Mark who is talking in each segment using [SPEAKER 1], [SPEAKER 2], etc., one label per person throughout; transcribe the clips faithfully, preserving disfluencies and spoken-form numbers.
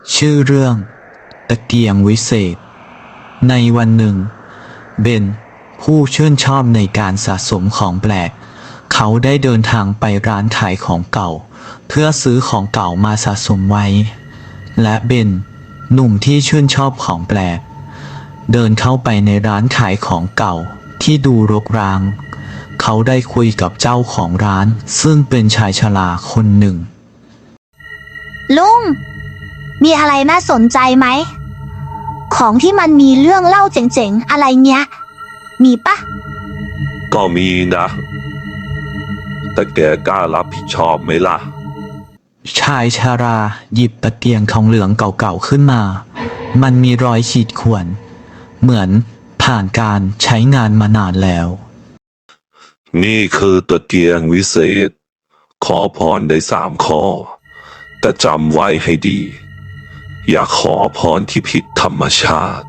[SPEAKER 1] ชื่อเรื่องตะเกียงวิเศษในวันหนึ่งเบนผู้ชื่นชอบในการสะสมของแปลกเขาได้เดินทางไปร้านขายของเก่าเพื่อซื้อของเก่ามาสะสมไว้และเบนหนุ่มที่ชื่นชอบของแปลกเดินเข้าไปในร้านขายของเก่าที่ดูรกร้างเขาได้คุยกับเจ้าของร้านซึ่งเป็นชายชราคนหนึ่ง
[SPEAKER 2] ลุงมีอะไรน่าสนใจไหมของที่มันมีเรื่องเล่าเจ๋งๆอะไรเงี้ยมีปะ
[SPEAKER 3] ก็มีนะแต่แกกล้ารับผิดชอบไหมล่ะ
[SPEAKER 1] ชายชาราหยิบตะเกียงทองเหลืองเก่าๆขึ้นมามันมีรอยขีดข่วนเหมือนผ่านการใช้งานมานานแล้ว
[SPEAKER 3] นี่คือตะเกียงวิเศษขอพรได้สามข้อแต่จำไว้ให้ดี อย่าขอพรที่ผิดธรรมชาติ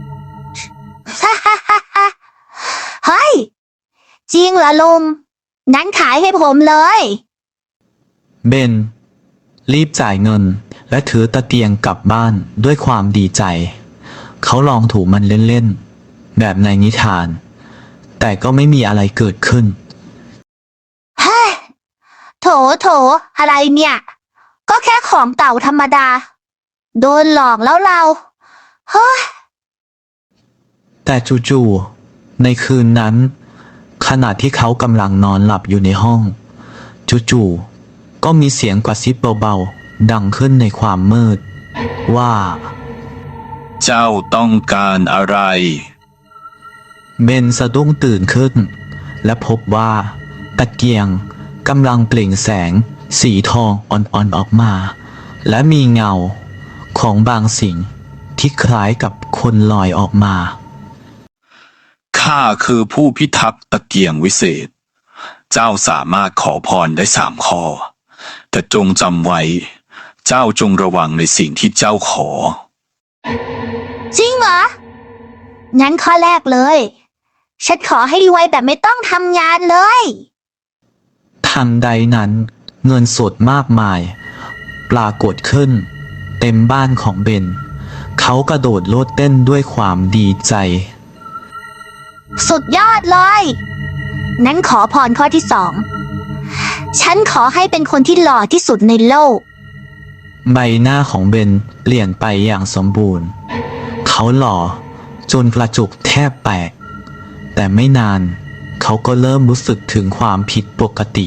[SPEAKER 2] เฮ้ยจริงเหรอลุงงั้นขายให้ผมเลย
[SPEAKER 1] เบนรีบจ่ายเงินและถือตะเกียงกลับบ้านด้วยความดีใจเขาลองถูมันเล่นๆแบบในนิทานแต่ก็ไม่มีอะไรเกิดขึ้น
[SPEAKER 2] เฮ้ยโถโถอะไรเนี่ยก็แค่ของเก่าธรรมดาโดนหลอกแล้วเราเฮ้ย
[SPEAKER 1] แต่จู่ๆในคืนนั้นขณะที่เขากำลังนอนหลับอยู่ในห้องจู่ๆก็มีเสียงกระซิบเบาๆดังขึ้นในความมืดว่า
[SPEAKER 4] เจ้าต้องการอะไร
[SPEAKER 1] เบนสะดุ้งตื่นขึ้นและพบว่าตะเกียงกำลังเปล่งแสงสีทองอ่อนๆออกมาและมีเงาของบางสิ่งที่คล้ายกับคนลอยออกมา
[SPEAKER 4] ข้าคือผู้พิทักษ์ตะเกียงวิเศษเจ้าสามารถขอพรได้สามข้อแต่จงจำไว้เจ้าจงระวังในสิ่งที่เจ้าขอ
[SPEAKER 2] จริงเหรองั้นข้อแรกเลยฉันขอให้รวยแบบไม่ต้องทำงานเลย
[SPEAKER 1] ทันใดนั้นเงินสดมากมายปรากฏขึ้นเต็มบ้านของเบนเขากระโดดโลดเต้นด้วยความดีใจ
[SPEAKER 2] สุดยอดเลยงั้นขอพรข้อที่สองฉันขอให้เป็นคนที่หล่อที่สุดในโลก
[SPEAKER 1] ใบหน้าของเบนเปลี่ยนไปอย่างสมบูรณ์เขาหล่อจนกระจุกแทบแตกแต่ไม่นานเขาก็เริ่มรู้สึกถึงความผิดปกติ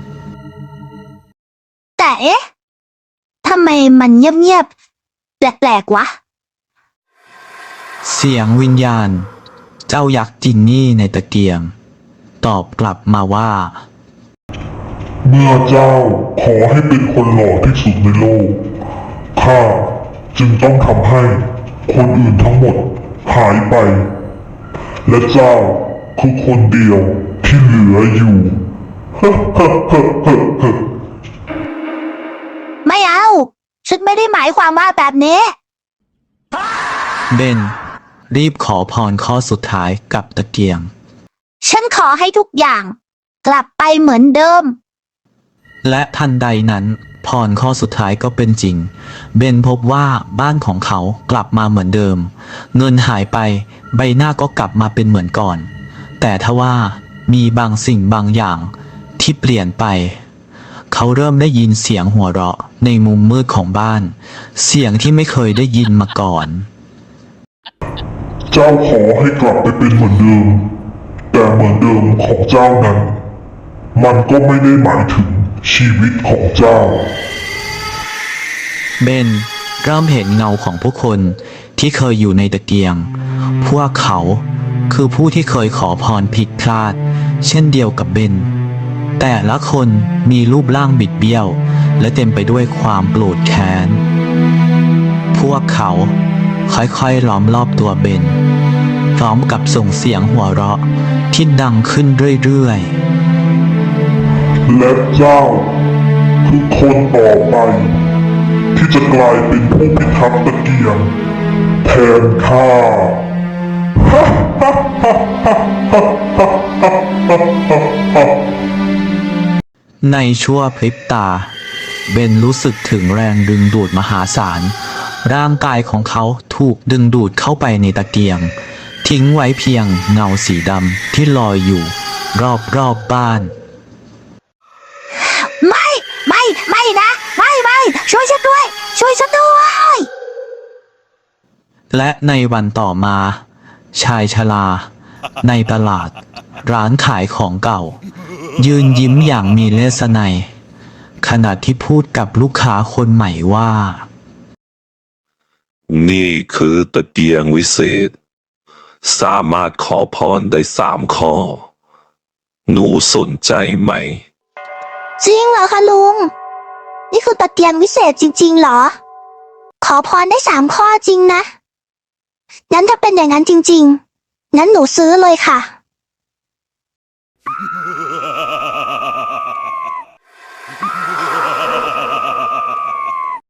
[SPEAKER 2] แต่เอ๊ะทำไมมันเงียบๆแปลกๆวะ
[SPEAKER 1] เสียงวิญญาณเจ้ายักษ์จินนี่ในตะเกียงตอบกลับมาว่า
[SPEAKER 5] เมื่อเจ้าขอให้เป็นคนหล่อที่สุดในโลกข้าจึงต้องทำให้คนอื่นทั้งหมดหายไปและเจ้าคือคนเดียวที่เหลืออยู่
[SPEAKER 2] ไม่เอาฉันไม่ได้หมายความว่าแบบนี้
[SPEAKER 1] เบนรีบขอพรข้อสุดท้ายกับตะเกียง
[SPEAKER 2] ฉันขอให้ทุกอย่างกลับไปเหมือนเดิม
[SPEAKER 1] และทันใดนั้นพรข้อสุดท้ายก็เป็นจริงเบนพบว่าบ้านของเขากลับมาเหมือนเดิมเงินหายไปใบหน้าก็กลับมาเป็นเหมือนก่อนแต่ทว่ามีบางสิ่งบางอย่างที่เปลี่ยนไปเขาเริ่มได้ยินเสียงหัวเราะในมุมมืดของบ้านเสียงที่ไม่เคยได้ยินมาก่อน
[SPEAKER 5] เจ้าขอให้กลับไปเป็นเหมือนเดิมแต่เหมือนเดิมของเจ้านั้นมันก็ไม่ได้หมายถึงชีวิตของเจ้า
[SPEAKER 1] เบนเริ่มเห็นเงาของผู้คนที่เคยอยู่ในตะเกียงพวกเขาคือผู้ที่เคยขอพรผิดพลาดเช่นเดียวกับเบนแต่ละคนมีรูปร่างบิดเบี้ยวและเต็มไปด้วยความโกรธแค้นพวกเขาค่อยๆล้อมรอบตัวเบนพร้อมกับส่งเสียงหัวเราะที่ดังขึ้นเรื่อย
[SPEAKER 5] ๆและเจ้าคือคนต่อไปที่จะกลายเป็นผู้พิทักษ์ตะเกียงแทนข้า
[SPEAKER 1] ในชั่วพริบตาเบนรู้สึกถึงแรงดึงดูดมหาศาลร่างกายของเขาถูกดึงดูดเข้าไปในตะเกียง ทิ้งไว้เพียงเงาสีดำที่ลอยอยู่ รอบรอบบ้าน
[SPEAKER 2] ไม่ไม่ไม่นะ ไม่ไม่ช่วยฉันด้วย ช่วยฉันด้วย
[SPEAKER 1] และในวันต่อมา ชายชราในตลาด ร้านขายของเก่า ยืนยิ้มอย่างมีเลสไนยขณะที่พูดกับลูกค้าคนใหม่ว่า
[SPEAKER 3] นี่คือตะเกียงวิเศษ สามารถขอพรได้สามข้อ หนูสนใจไหม
[SPEAKER 2] จริงเหรอคะลุง นี่คือตะเกียงวิเศษจริงๆเหรอ ขอพรได้สามข้อจริงนะ งั้นถ้าเป็นอย่างนั้นจริงๆ งั้นหนูซื้อเลยค่ะ